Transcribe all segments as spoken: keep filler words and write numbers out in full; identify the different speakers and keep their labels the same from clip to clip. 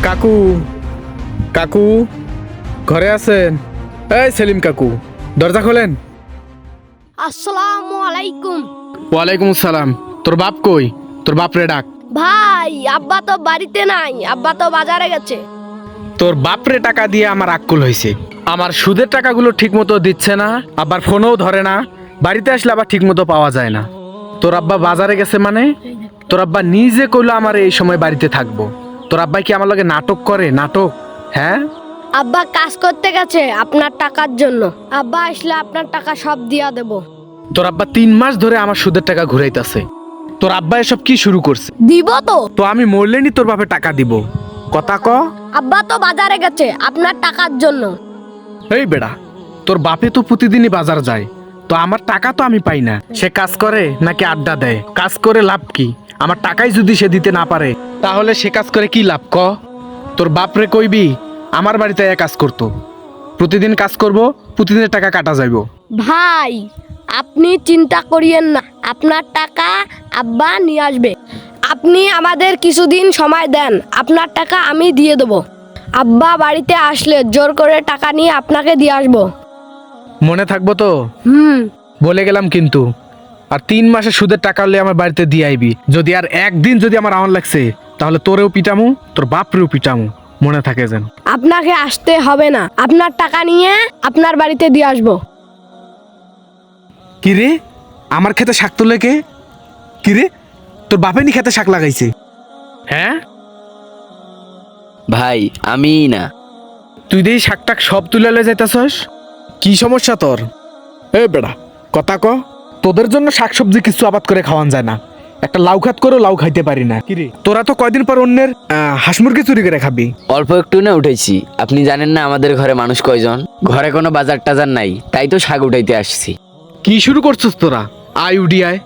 Speaker 1: কাকু কাকু ঘরে আছেন? এই সেলিম কাকু, দরজা খোলেন।
Speaker 2: আসসালামু আলাইকুম।
Speaker 1: ওয়ালাইকুম আসসালাম। তোর বাপ কই? তোর বাপ রে ডাক।
Speaker 2: ভাই, আব্বা তো বাড়িতে নাই, আব্বা তো বাজারে গেছে।
Speaker 1: তোর বাপ রে টাকা দিয়ে আমার আক্কুল হয়েছে। আমার সুদের টাকাগুলো ঠিক মতো দিচ্ছে না, আবার ফোনও ধরে না, বাড়িতে আসলে আবার ঠিক মতো পাওয়া যায় না। তোর আব্বা বাজারে গেছে মানে? তোর আব্বা নিজে কইলো আমার এই সময় বাড়িতে থাকবো। তোর আব্বাই কি আমার লগে নাটক করে? নাটক? হ্যাঁ,
Speaker 2: আব্বা কাজ করতে গেছে আপনার টাকার জন্য। আব্বা আসলে আপনার টাকা সব দিয়া দেব।
Speaker 1: তোর আব্বা তিন মাস ধরে আমার সুদের টাকা ঘুরাইতেছে। তোর আব্বা এসব কি শুরু করছে?
Speaker 2: দিব তো।
Speaker 1: তো আমি মরলেনি তোর বাপে টাকা দিব। কথা ক।
Speaker 2: আব্বা তো বাজারে গেছে আপনার টাকার জন্য।
Speaker 1: এই বেড়া, তোর বাপে তো প্রতিদিনই বাজার যায়, তো আমার টাকা তো আমি পাই না। সে কাজ করে নাকি আড্ডা দেয়? কাজ করে লাভ কি? আমার টাকাই যদি সে দিতে না পারে, তাহলে সে কাজ করে কি লাভ? ক। তোর বাপরে কইবি আমার বাড়িতে এক কাজ করতো, প্রতিদিন কাজ করব, প্রতিদিনের টাকা কাটা যাইব।
Speaker 2: ভাই, আপনি চিন্তা করিয়েন না, আপনার টাকা আব্বা নিয়ে আসবে। আপনি আমাদের কিছুদিন সময় দেন, আপনার টাকা আমি দিয়ে দেবো। আব্বা বাড়িতে আসলে জোর করে টাকা নিয়ে আপনাকে দিয়ে আসবো।
Speaker 1: মনে থাকবো তো?
Speaker 2: হুম।
Speaker 1: বলে গেলাম কিন্তু। আর তিন মাসের সুদের টাকা হলে আমার বাড়িতে দিয়ে আইবি। যদি আর একদিন যদি আমার আওয়ান লাগছে, তাহলে তোরেও পিটামু, তোর বাপরেও পিটামু। মনে থাকে যেন।
Speaker 2: আপনাকে আসতে হবে না, আপনার টাকা নিয়ে আপনার বাড়িতে দিয়ে আসবো।
Speaker 1: কিরে, আমার খেতে শাক তোলে কে? কিরে, তোর বাপে নি খেতে শাক লাগাইছে? হ্যাঁ,
Speaker 3: ভাই আমি না।
Speaker 1: তুই দেই শাক টাক সব তুলে লয়ে যাইতাছস? কি সমস্যা তোর? এ বেড়া, কথা ক। তোদের জন্য শাকসবজি কিছু আবাদ করে খাওয়ান যায় না, একটা লাউ খাত করেও লাউ খাইতে পারি না। কিরে, তোরা তো কয়দিন পর অন্যের আহ, হাঁস মুরগি চুরি করে খাবি।
Speaker 3: অল্প একটু না উঠেছি। আপনি জানেন না আমাদের ঘরে মানুষ কয়জন? ঘরে কোনো বাজার টাজার নাই, তাই তো শাক উঠাইতে আসছি।
Speaker 1: কি শুরু করছিস তোরা? আয় উডি আয়।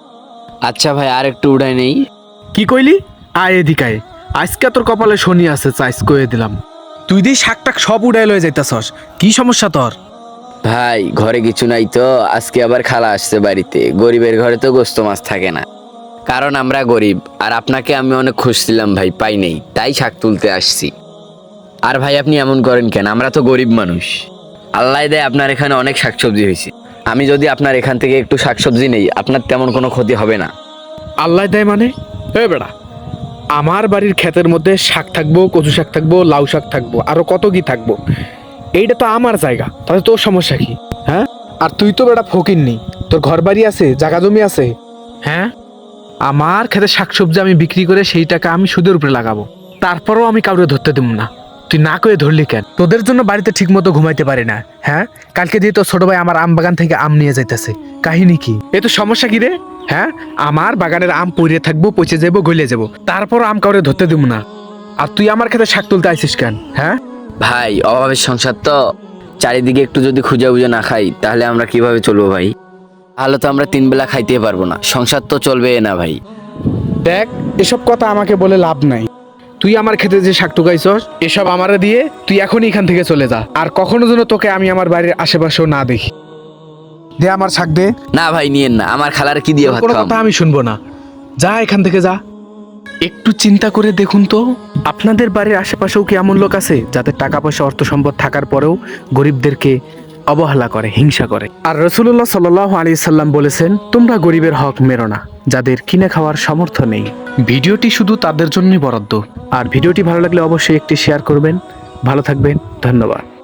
Speaker 3: আচ্ছা ভাই, আর একটু উঠাই নেই।
Speaker 1: কি কইলি? আয় এদিকায়। আজকে তোর কপালে শনি আছে, চাইস কয়ে দিলাম। তুই দিয়ে শাক টাক সব উড়াই লয়ে যাইতাছস, কি সমস্যা তোর?
Speaker 3: ভাই ঘরে কিছু নাই তো, আজকে আবার খালা আসছে বাড়িতে। গরিবের ঘরে তো গোস্ত মাছ থাকে না, কারণ আমরা গরিব। আর আপনাকে আমি অনেক খুঁজছিলাম ভাই, পাই নেই, তাই শাক তুলতে আসছি। আর ভাই আপনি এমন করেন কেন? আমরা তো গরিব মানুষ। আল্লাহ দেয় আপনার এখানে অনেক শাকসবজি হয়েছে। আমি যদি আপনার এখান থেকে একটু শাকসবজি নেই, আপনার তেমন কোনো ক্ষতি হবে না।
Speaker 1: আল্লাহ দেয় মানে? এ বেড়া, আমার বাড়ির ক্ষেতের মধ্যে শাক থাকবো, কচু শাক থাকবো, লাউ শাক থাকবো, আরো কত কি থাকবো। এইটা তো আমার জায়গা, তাহলে তোর সমস্যা কি? হ্যাঁ, আর তুই তো বেটা ফকির নি, তোর ঘর বাড়ি আছে, জায়গা জমি আছে। হ্যাঁ, আমার ক্ষেতে শাকসবজি আমি বিক্রি করে সেই টাকা আমি সুদের উপরে লাগাবো, তারপরও আমি কাউকে ধরতে দেবো না। তুই না করে ধরলি কেন? তোদের জন্য বাড়িতে ঠিক মতো ঘুমাইতে পারি না। হ্যাঁ, কালকে দিয়ে তোর ছোট ভাই আমার আম বাগান থেকে আম নিয়ে যাইতেছে, কাহিনী কি? এ তো সমস্যা কি রে? হ্যাঁ, আমার বাগানের আম পড়ে থাকবো, পচে যাবো, গলে যাবো, তারপর আম কাউরে ধরতে দেবো না। আর তুই আমার ক্ষেতে শাক তুলতে আইসিস কেন? হ্যাঁ
Speaker 3: ভাই অভাবের সংসার তো, চারিদিকে একটু যদি খুঁজে বুঝে না খাই, তাহলে আমরা কিভাবে চলবো ভাই? তাহলে তো আমরা তিন বেলা খাইতে পারবো না, সংসার তো চলবে না ভাই।
Speaker 1: দেখ, এসব কথা আমাকে বলে লাভ নাই। তুই আমার খেতে যে শাক টুকাইছস, এসব আমারে দিয়ে তুই এখনই এখান থেকে চলে যা। আর কখনো যেন তোকে আমি আমার বাড়ির আশেপাশেও না দেখি। দে আমার শাক দে।
Speaker 3: না ভাই নিয়েন না, আমার খালার কি দিয়ে ভাত
Speaker 1: কোনো
Speaker 3: খাওয়াবো?
Speaker 1: কথা আমি শুনবো না, যা এখান থেকে যা। একটু চিন্তা করে দেখুন তো, আপনাদের বাড়ির আশেপাশেও কি এমন লোক আছে যাদের টাকা পয়সা অর্থ সম্পদ থাকার পরেও গরিবদেরকে অবহেলা করে, হিংসা করে? আর রাসূলুল্লাহ সাল্লাল্লাহু আলাইহি সাল্লাম বলেছেন, তোমরা গরিবের হক মেরো না যাদের কিনে খাওয়ার সামর্থ্য নেই। ভিডিওটি শুধু তাদের জন্যই বরাদ্দ। আর ভিডিওটি ভালো লাগলে অবশ্যই একটি শেয়ার করবেন। ভালো থাকবেন, ধন্যবাদ।